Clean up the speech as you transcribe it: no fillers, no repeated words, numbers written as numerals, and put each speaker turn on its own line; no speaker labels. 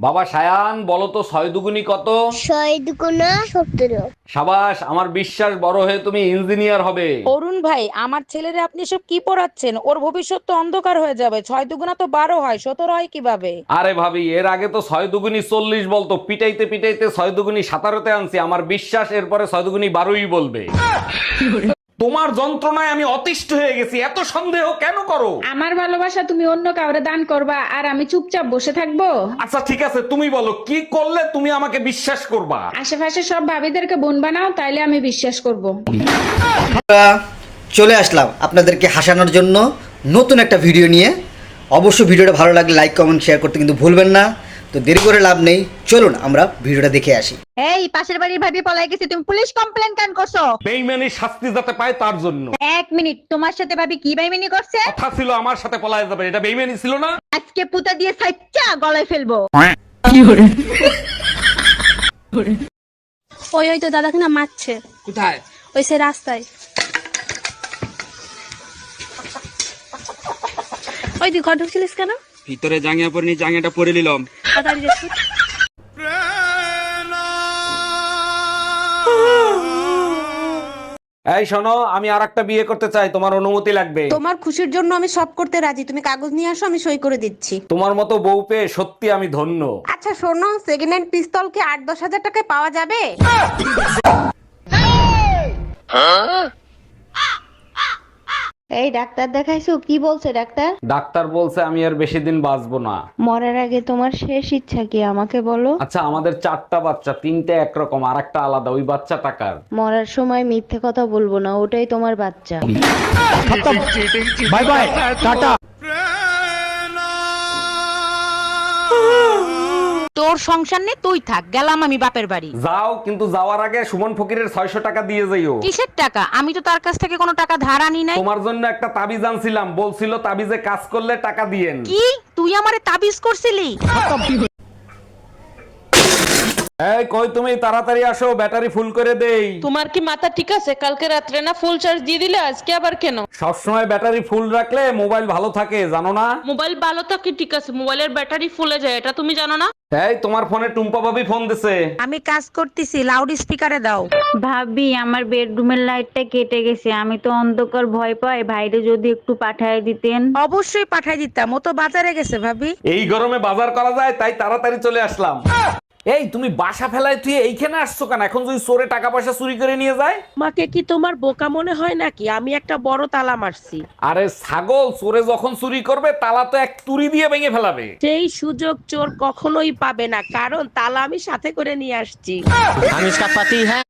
বাবা সায়ান, বলো তো 6 দুগুনি কত?
6 দুগুণা 17।
সাবাস, আমার বিশ্বাস বড় হয়ে তুমি ইঞ্জিনিয়ার হবে।
অরুণ ভাই, আমার ছেলেরে আপনি সব কি পড়াচ্ছেন? ওর ভবিষ্যৎ তো অন্ধকার হয়ে যাবে। 6 দুগুণা তো 12 হয়, 17 হয় কিভাবে?
আরে ভাবি, এর আগে তো 6 দুগুনি 40 বলতো, পিটাইতে পিটাইতে 6 দুগুনি 17তে আনছি। আমার বিশ্বাস এরপরে 6 দুগুনি 12ই বলবে। তোমার যন্ত্রণায় আমি অতিষ্ঠ হয়ে গেছি, এত সন্দেহ কেন করো?
আমার ভালোবাসা তুমি অন্য কাউরে দান করবা আর আমি চুপচাপ বসে থাকবো?
আচ্ছা ঠিক আছে, তুমি বলো কি করলে তুমি আমাকে বিশ্বাস করবা?
আশেপাশে সব ভাবিদেরকে বোন বানাও, তাইলে আমি বিশ্বাস করব।
আমরা চলে আসলাম আপনাদেরকে হাসানোর জন্য নতুন একটা ভিডিও নিয়ে। অবশ্যই ভিডিওটা ভালো লাগলে লাইক কমেন্ট শেয়ার করতে কিন্তু ভুলবেন না। তো দেরি করে লাভ নেই, চলুন আমরা ভিডিওটা দেখে আসি।
এই পাশের বাড়ির ভাবি পলাই গেছে, তুমি পুলিশ কমপ্লেন কেন করছো?
বেইমানি শাস্তি যাতে পায় তার জন্য।
1 মিনিট, তোমার সাথে ভাবি কি বেইমানি করছে?
কথা ছিল আমার সাথে পলায় যাবে, এটা বেইমানি ছিল না?
আজকে পুতা দিয়ে সাইচ্চা গলায় ফেলবো।
ওই ওই তো দাদাকে না মারছে।
কোথায়?
ওই সে রাস্তায়। ওই তুই ঘর ঢুকছিলিস কেন?
ভিতরে জাঙ্গিয়া পরিনি, জাঙ্গিয়াটা পরে নিলাম।
তাড়াতাড়ি যা, ছুট।
এই শোনো, আমি আরেকটা বিয়ে করতে চাই, তোমার অনুমতি লাগবে।
তোমার খুশির জন্য আমি সব করতে রাজি। তুমি কাগজ নিয়ে আসো, আমি সই করে দিচ্ছি।
তোমার মতো বউ পেয়ে সত্যি আমি ধন্য।
আচ্ছা শোনো, সেকেন্ড হ্যান্ড পিস্তল কি 8-10 হাজার টাকায় পাওয়া যাবে?
এই ডাক্তার দেখাইছো? কি বলছে ডাক্তার?
ডাক্তার বলছে আমি আর বেশি দিন বাঁচবো না।
মরার আগে তোমার শেষ ইচ্ছা কি আমাকে বলো?
আচ্ছা, আমাদের 4টা বাচ্চা, 3টে একরকম আর একটা আলাদা, ওই বাচ্চা টাকার।
মরার সময় মিথ্যে কথা বলবো না, ওটাই তোমার বাচ্চা।
Bye bye, tata.
তোর সংসার নে, তুই থাক, গেলাম আমি বাপের বাড়ি।
যাও, কিন্তু যাওয়ার আগে সুমন ফকিরের 600 টাকা দিয়ে যাইও।
কিসের টাকা? আমি তো তার কাছ থেকে কোনো টাকা ধার আনি নাই।
তোমার জন্য একটা তাবিজ আনছিলাম, বলছিল তাবিজে কাজ করলে টাকা দিয়েন।
কি তুই আমারে তাবিজ করছিলি?
এই কই তুমি, তাড়াতাড়ি আসো, ব্যাটারি ফুল করে দেই।
তোমার কি মাথা ঠিক আছে? কালকে রাত্রে না ফুল চার্জ দিয়ে দিলে, আজকে আবার কেন?
সবসময় ব্যাটারি ফুল রাখলে মোবাইল ভালো থাকে, জানো না?
মোবাইল ভালো থাকে ঠিক আছে, মোবাইলের ব্যাটারি ফুলে যায়, এটা তুমি জানো না?
এই তোমার ফোনে টুম্পা ভাবি ফোন দিছে।
আমি কাজ করতেছি, লাউড স্পিকারে দাও।
ভাবি, আমার বেডরুমের লাইটটা কেটে গেছে, আমি তো অন্ধকার ভয় পাই, ভাইরে যদি একটু পাঠায় দিতেন।
অবশ্যই পাঠাই দিতাম, ও তো বাজারে গেছে ভাবি।
এই গরমে বাজার করা যায়, তাই তাড়াতাড়ি চলে আসলাম। এই তুমি বাসা ফেলায় তুই এইখানে আসছো কেন? এখন যদি চোরে টাকা পয়সা চুরি করে নিয়ে যায়?
মাকে কি তোমার বোকা মনে হয় নাকি? আমি একটা বড় তালা মারছি।
আরে ছাগল, চোরে যখন চুরি করবে তালা তো এক তুড়ি দিয়ে ভেঙে ফেলাবে।
সেই সুযোগ চোর কখনোই পাবে না, কারণ তালা আমি সাথে করে নিয়ে আসছি।